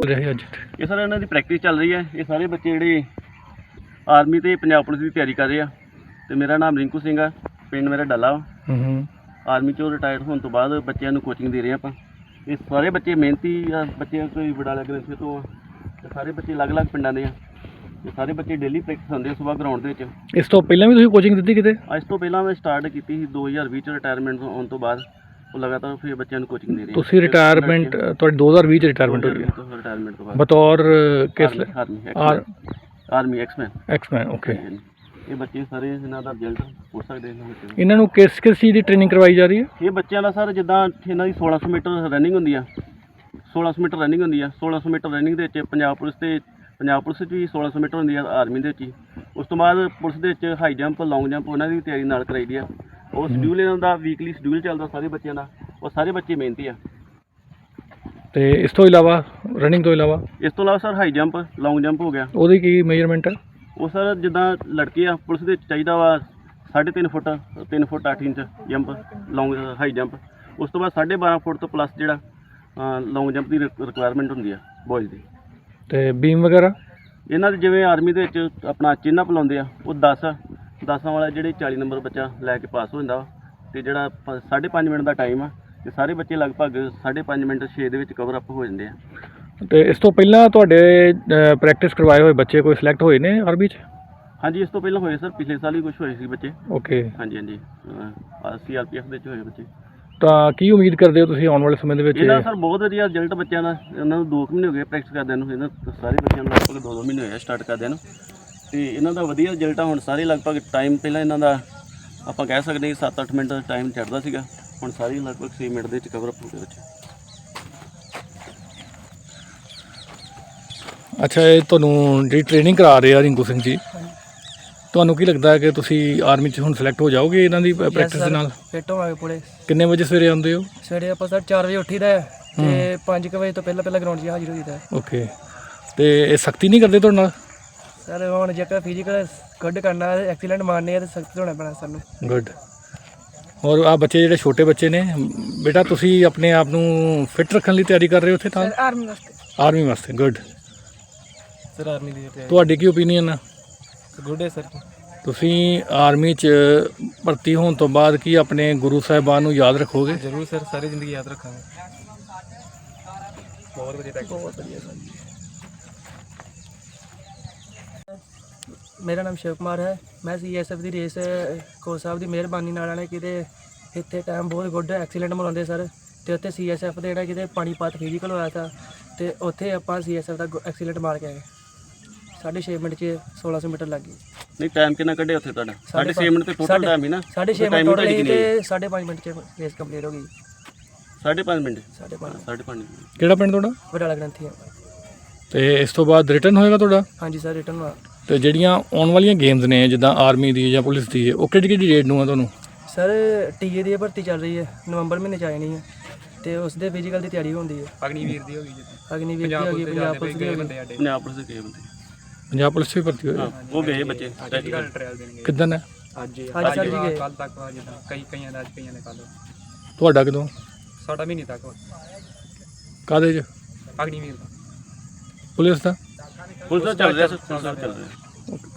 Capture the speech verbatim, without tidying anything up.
ਰਹੇ ਅੱਜ ਇਹ ਸਰ ਇਹਨਾਂ ਦੀ ਪ੍ਰੈਕਟਿਸ ਚੱਲ ਰਹੀ ਹੈ। ਇਹ ਸਾਰੇ ਬੱਚੇ ਜਿਹੜੇ ਆਰਮੀ ਤੇ ਪੰਜਾਬ ਪੁਲਿਸ ਦੀ ਤਿਆਰੀ ਕਰ ਰਹੇ ਆ ਤੇ ਮੇਰਾ ਨਾਮ ਰਿੰਕੂ ਸਿੰਘ ਆ, ਪਿੰਡ ਮੇਰਾ ਡੱਲਾ। ਹੂੰ ਆਰਮੀ ਚੋਂ ਰਿਟਾਇਰ ਹੋਣ ਤੋਂ ਬਾਅਦ ਬੱਚਿਆਂ ਨੂੰ ਕੋਚਿੰਗ ਦੇ ਰਹੇ ਆਪਾਂ। ਇਹ ਸਾਰੇ ਬੱਚੇ ਮਿਹਨਤੀ ਆ, ਬੱਚੇ ਕੋਈ ਬਡਾਲਾ ਗ੍ਰੰਥੀ ਤੋਂ ਆ ਤੇ ਸਾਰੇ ਬੱਚੇ ਅਲੱਗ-ਅਲੱਗ ਪਿੰਡਾਂ ਦੇ ਆ। ਇਹ ਸਾਰੇ ਬੱਚੇ ਡੇਲੀ ਪ੍ਰੈਕਟਿਸ ਹੁੰਦੇ ਸੁਬਾਹ ਗਰਾਊਂਡ ਦੇ ਵਿੱਚ। ਇਸ ਤੋਂ ਪਹਿਲਾਂ ਵੀ ਤੁਸੀਂ ਕੋਚਿੰਗ ਦਿੱਤੀ ਕਿਤੇ? ਅੱਜ ਤੋਂ ਪਹਿਲਾਂ ਮੈਂ ਸਟਾਰਟ ਕੀਤੀ ਸੀ ਦੋ ਹਜ਼ਾਰ ਵੀਹ ਚ ਰਿਟਾਇਰਮੈਂਟ ਹੋਣ ਤੋਂ ਬਾਅਦ। ਉਹ ਲਗਾਤਾਰ ਫਿਰ ਬੱਚਿਆਂ ਨੂੰ ਕੋਚਿੰਗ ਦੇ ਰਹੇ। ਤੁਸੀਂ ਰਿਟਾਇਰਮੈਂਟ ਤੁਹਾਡੀ ਦੋ ਹਜ਼ਾਰ ਵੀਹ ਚ ਰਿਟਾਇਰਮੈਂਟ ਹੋਈ ਹੈ? ਰਿਟਾਇਰਮੈਂਟ ਤੋਂ ਬਾਅਦ ਬਤੌਰ ਕਿਸ army army ex man ex man okay. ਇਹ ਬੱਚੇ ਸਾਰੇ ਇਹਨਾਂ ਦਾ ਰਿਜ਼ਲਟ ਹੋ ਸਕਦੇ ਇਹਨਾਂ ਬੱਚੇ। ਇਹਨਾਂ ਨੂੰ ਕਿਸ ਕਿਸ ਚੀਜ਼ ਦੀ ਟ੍ਰੇਨਿੰਗ ਕਰਵਾਈ ਜਾ ਰਹੀ ਹੈ? ਇਹ ਬੱਚਿਆਂ ਦਾ ਸਰ ਜਿੱਦਾਂ ਇਹਨਾਂ ਦੀ ਸੋਲਾਂ ਸੌ ਮੀਟਰ ਰਨਿੰਗ ਹੁੰਦੀ ਆ, ਸੋਲਾਂ ਸੌ ਮੀਟਰ ਰਨਿੰਗ ਹੁੰਦੀ ਆ। ਸੋਲਾਂ ਸੌ ਮੀਟਰ ਰਨਿੰਗ ਦੇ ਵਿੱਚ ਪੰਜਾਬ ਪੁਲਿਸ ਤੇ ਪੰਜਾਬ ਪੁਲਿਸ ਵਿੱਚ ਵੀ ਸੋਲਾਂ ਸੌ ਮੀਟਰ ਹੁੰਦੀ ਆ, ਆਰਮੀ ਦੇ ਵਿੱਚ ਹੀ। ਉਸ ਤੋਂ ਬਾਅਦ ਪੁਲਿਸ ਦੇ ਵਿੱਚ ਹਾਈ ਜੰਪ, ਲੌਂਗ ਜੰਪ ਉਹਨਾਂ ਦੀ ਤਿਆਰੀ ਨਾਲ ਕਰਾਈ ਦੀ ਆ। ਉਹ ਸ਼ਡਿਊਲ ਇਹਨਾਂ ਦਾ ਵੀਕਲੀ ਸ਼ਡਿਊਲ ਚੱਲਦਾ ਸਾਰੇ ਬੱਚਿਆਂ ਦਾ। ਉਹ ਸਾਰੇ ਬੱਚੇ ਮਿਹਨਤੀ ਆ। ਤੇ ਇਸ ਤੋਂ ਇਲਾਵਾ ਰਨਿੰਗ ਤੋਂ ਇਲਾਵਾ ਇਸ ਤੋਂ ਇਲਾਵਾ sir high jump, long jump ਹੋ ਗਿਆ। ਉਹਦੀ ਕੀ ਮੇਜਰਮੈਂਟ ਹੈ? ਉਹ ਸਰ ਜਿੱਦਾਂ ਲੜਕੇ ਆ ਪੁਲਿਸ ਦੇ ਵਿੱਚ ਚਾਹੀਦਾ ਵਾ ਸਾਢੇ ਤਿੰਨ ਫੁੱਟ ਤਿੰਨ ਫੁੱਟ ਅੱਠ inch jump, long high jump. ਉਸ ਤੋਂ ਬਾਅਦ ਸਾਢੇ ਬਾਰਾਂ ਫੁੱਟ ਤੋਂ ਪਲੱਸ ਜਿਹੜਾ ਲੌਂਗ ਜੰਪ ਦੀ ਰਿਕੁਆਇਰਮੈਂਟ ਹੁੰਦੀ ਆ ਬॉयਜ਼ ਦੀ। ਤੇ ਬੀਮ ਵਗੈਰਾ ਇਹਨਾਂ ਦੇ ਜਿਵੇਂ ਆਰਮੀ ਦੇ ਵਿੱਚ ਆਪਣਾ ਚਿੰਨ੍ਹ ਅਪ ਲਾਉਂਦੇ ਆ, ਉਹ ਦਸ ਦਸਾਂ ਵਾਲਾ ਜਿਹੜੇ ਚਾਲੀ ਨੰਬਰ ਬੱਚਾ ਲੈ ਕੇ ਪਾਸ ਹੋ ਜਾਂਦਾ ਵਾ। ਅਤੇ ਜਿਹੜਾ ਪ ਸਾਢੇ ਪੰਜ ਮਿੰਟ ਦਾ ਟਾਈਮ ਆ ਅਤੇ ਸਾਰੇ ਬੱਚੇ ਲਗਭਗ ਸਾਢੇ ਪੰਜ ਮਿੰਟ ਛੇ ਦੇ ਵਿੱਚ ਕਵਰ ਅਪ ਹੋ ਜਾਂਦੇ ਆ। ਅਤੇ ਇਸ ਤੋਂ ਪਹਿਲਾਂ ਤੁਹਾਡੇ ਪ੍ਰੈਕਟਿਸ ਕਰਵਾਏ ਹੋਏ ਬੱਚੇ ਕੋਈ ਸਿਲੈਕਟ ਹੋਏ ਨੇ ਆਰਮੀ 'ਚ? ਹਾਂਜੀ, ਇਸ ਤੋਂ ਪਹਿਲਾਂ ਹੋਏ ਸਰ, ਪਿਛਲੇ ਸਾਲ ਹੀ ਕੁਛ ਹੋਏ ਸੀ ਬੱਚੇ। ਓਕੇ। ਹਾਂਜੀ ਹਾਂਜੀ, ਸੀ ਆਰ ਪੀ ਐਫ ਦੇ ਵਿੱਚ ਹੋਏ ਬੱਚੇ। ਤਾਂ ਕੀ ਉਮੀਦ ਕਰਦੇ ਹੋ ਤੁਸੀਂ ਆਉਣ ਵਾਲੇ ਸਮੇਂ ਦੇ ਵਿੱਚ? ਇਹਦਾ ਸਰ ਬਹੁਤ ਵਧੀਆ ਰਿਜ਼ਲਟ ਬੱਚਿਆਂ ਦਾ। ਇਹਨਾਂ ਨੂੰ ਦੋ ਕੁ ਮਹੀਨੇ ਹੋ ਗਏ ਪ੍ਰੈਕਟਿਸ ਕਰਦਿਆਂ ਨੂੰ। ਇਹਨਾਂ ਸਾਰੇ ਬੱਚਿਆਂ ਨੂੰ ਲਗਭਗ ਦੋ ਦੋ ਮਹੀਨੇ ਹੋਏ ਆ ਸਟਾਰਟ ਕਰਦਿਆਂ ਨੂੰ। ਅਤੇ ਇਹਨਾਂ ਦਾ ਵਧੀਆ ਰਿਜ਼ਲਟ ਆ ਹੁਣ। ਸਾਰੇ ਲਗਭਗ ਟਾਈਮ ਪਹਿਲਾਂ ਇਹਨਾਂ ਦਾ ਆਪਾਂ ਕਹਿ ਸਕਦੇ ਹਾਂ ਸੱਤ ਅੱਠ ਮਿੰਟ ਟਾਈਮ ਚੜ੍ਹਦਾ ਸੀਗਾ, ਹੁਣ ਸਾਰੇ ਲਗਭਗ ਛੇ ਮਿੰਟ ਦੇ ਵਿੱਚ ਕਵਰ ਅਪ ਹੋ ਗਏ ਬੱਚੇ। ਅੱਛਾ, ਇਹ ਤੁਹਾਨੂੰ ਜਿਹੜੀ ਟ੍ਰੇਨਿੰਗ ਕਰਾ ਰਹੇ ਆ ਰਿੰਕੂ ਸਿੰਘ ਜੀ, ਤੁਹਾਨੂੰ ਕੀ ਲੱਗਦਾ ਹੈ ਕਿ ਤੁਸੀਂ ਆਰਮੀ 'ਚ ਹੁਣ ਸਿਲੈਕਟ ਹੋ ਜਾਓਗੇ ਇਹਨਾਂ ਦੀ ਪ੍ਰੈਕਟਿਸ ਦੇ ਨਾਲ? ਫਿੱਟ ਹੋਵਾਂਗੇ ਪੂਰੇ। ਕਿੰਨੇ ਵਜੇ ਸਵੇਰੇ ਆਉਂਦੇ ਹੋ? ਸਵੇਰੇ ਆਪਾਂ ਸਰ ਚਾਰ ਵਜੇ ਉੱਠੀਦਾ ਤੇ ਪੰਜ ਕੁ ਵਜੇ ਤੋਂ ਪਹਿਲਾਂ ਪਹਿਲਾਂ ਗਰਾਊਂਡ 'ਚ ਹਾਜ਼ਰ ਹੋਈਦਾ। ਓਕੇ। ਅਤੇ ਇਹ ਸਖਤੀ ਨਹੀਂ ਕਰਦੇ ਤੁਹਾਡੇ ਨਾਲ? ਸਰ ਹੁਣ ਜੇਕਰ ਫਿਜ਼ੀਕਲ ਗੁੱਡ ਕਰਨਾ, ਐਕਸੀਲੈਂਟ ਮਾਰਨੇ ਆ ਤਾਂ ਸਖਤ ਹੋਣਾ ਪੈਣਾ ਸਾਨੂੰ। ਗੁੱਡ। ਔਰ ਆ ਬੱਚੇ ਜਿਹੜੇ ਛੋਟੇ ਬੱਚੇ ਨੇ, ਬੇਟਾ ਤੁਸੀਂ ਆਪਣੇ ਆਪ ਨੂੰ ਫਿੱਟ ਰੱਖਣ ਲਈ ਤਿਆਰੀ ਕਰ ਰਹੇ ਹੋ ਉੱਥੇ ਤਾਂ? ਆਰਮੀ ਵਾਸਤੇ। ਆਰਮੀ ਵਾਸਤੇ, ਗੁੱਡ। ਸਰ ਆਰਮੀ ਦੀ ਤੁਹਾਡੀ ਕੀ ਓਪੀਨੀਅਨ ਆ? ਗੁੱਡ ਹੈ ਸਰ। ਤੁਸੀਂ ਆਰਮੀ 'ਚ ਭਰਤੀ ਹੋਣ ਤੋਂ ਬਾਅਦ ਕੀ ਆਪਣੇ ਗੁਰੂ ਸਾਹਿਬਾਨ ਨੂੰ ਯਾਦ ਰੱਖੋਗੇ? ਜ਼ਰੂਰ ਸਰ, ਸਾਰੀ ਜ਼ਿੰਦਗੀ ਯਾਦ ਰੱਖਾਂਗੇ। ਬਹੁਤ ਵਧੀਆ, ਬਹੁਤ ਵਧੀਆ ਸਰ। ਮੇਰਾ ਨਾਮ ਸ਼ਿਵ ਕੁਮਾਰ ਹੈ। ਮੈਂ ਸੀ ਐਸ ਐਫ ਦੀ ਰੇਸ ਕੋਚ ਸਾਹਿਬ ਦੀ ਮਿਹਰਬਾਨੀ ਨਾਲ ਆਣੇ ਕਿਤੇ ਇੱਥੇ ਟਾਈਮ ਬਹੁਤ ਗੁੱਡ ਐਕਸੀਲੈਂਟ ਮਰਾਉਂਦੇ ਸਰ। ਅਤੇ ਉੱਥੇ ਸੀ ਐਸ ਐਫ ਦੇ ਜਿਹੜਾ ਕਿਤੇ ਪਾਣੀਪਤ ਫਿਜ਼ੀਕਲ ਹੋਇਆ ਤਾ ਅਤੇ ਉੱਥੇ ਆਪਾਂ ਸੀ ਐਸ ਐਫ ਦਾ ਐਕਸੀਲੈਂਟ ਮਾਰ ਕੇ ਆਏ। ਸਾਢੇ ਛੇ ਮਿੰਟ 'ਚ ਸੋਲਾਂ ਸੌ ਮੀਟਰ ਲੱਗ ਗਈ। ਨਹੀਂ, ਟਾਈਮ ਕਿੰਨਾ ਕੱਢਿਆ ਉੱਥੇ ਤੁਹਾਡਾ? ਸਾਢੇ ਛੇ ਮਿੰਟ ਤੇ ਟੋਟਲ ਟਾਈਮ ਹੀ ਨਾ? ਸਾਢੇ ਛੇ ਮਿੰਟ ਟੋਟਲ ਹੀ ਅਤੇ ਸਾਢੇ ਪੰਜ ਮਿੰਟ 'ਚ ਰੇਸ ਕੰਪਲੀਟ ਹੋ ਗਈ। ਸਾਢੇ ਪੰਜ ਮਿੰਟ? ਸਾਢੇ ਪੰਜ ਸਾਢੇ ਪੰਜ। ਕਿਹੜਾ ਪਿੰਡ ਤੁਹਾਡਾ? ਬਡਾਲਾ ਗ੍ਰੰਥੀ। ਅਤੇ ਇਸ ਤੋਂ ਬਾਅਦ ਰਿਟਰਨ ਹੋਏਗਾ ਤੁਹਾਡਾ? ਹਾਂਜੀ ਸਰ, ਰਿਟਰਨ ਹੋਇਆ। ਅਤੇ ਜਿਹੜੀਆਂ ਆਉਣ ਵਾਲੀਆਂ ਗੇਮਸ ਨੇ ਜਿੱਦਾਂ ਆਰਮੀ ਦੀ ਜਾਂ ਪੁਲਿਸ ਦੀ, ਉਹ ਕਿਹੜੀ ਕਿਹੜੀ ਡੇਟ ਨੂੰ ਆ ਤੁਹਾਨੂੰ? ਸਰ ਟੀਏ ਦੀ ਭਰਤੀ ਚੱਲ ਰਹੀ ਹੈ, ਨਵੰਬਰ ਮਹੀਨੇ 'ਚ ਆਣੀ ਹੈ ਅਤੇ ਉਸ ਦੇ ਫਿਜ਼ੀਕਲ ਦੀ ਤਿਆਰੀ ਹੁੰਦੀ ਹੈ। ਅਗਨੀਵੀਰ ਦੀ ਹੋ ਗਈ ਜੀ। ਅਗਨੀਵੀਰ ਦੀ ਹੋ ਗਈ, ਪੰਜਾਬ ਪੁਲਿਸ ਦੀ ਹੋ ਗਈ। ਪੰਜਾਬ ਪੁਲਿਸ ਦੇ ਗਏ ਬੰਦੇ। ਪੰਜਾਬ ਪੁਲਿਸ 'ਚ ਵੀ ਭਰਤੀ ਹੋਏ? ਉਹ ਗਏ ਬੱਚੇ। ਟੈਕਨੀਕਲ ਟ੍ਰਾਇਲ ਦੇਣਗੇ। ਕਿੱਦਾਂ ਹੈ? ਅੱਜ ਅੱਜ ਸਰ ਜੀ ਗਏ। ਕੱਲ੍ਹ ਤੱਕ ਜਿੱਦਾਂ ਕਈ ਕਈਆਂ ਦਾ ਅੱਜ, ਕਈਆਂ ਦੇ ਕੱਲ੍ਹ। ਤੁਹਾਡਾ ਕਦੋਂ? ਸਾਡਾ ਮਹੀਨੇ ਤੱਕ। ਕਾਹਦੇ 'ਚ? ਅਗਨੀਵੀਰ ਦਾ। ਪੁਲਿਸ ਦਾ? ਪੁਲਿਸ ਦਾ ਚੱਲ ਰਿਹਾ ਸਰ, ਪੁਲਿਸ ਦਾ ਚੱਲ ਰਿਹਾ।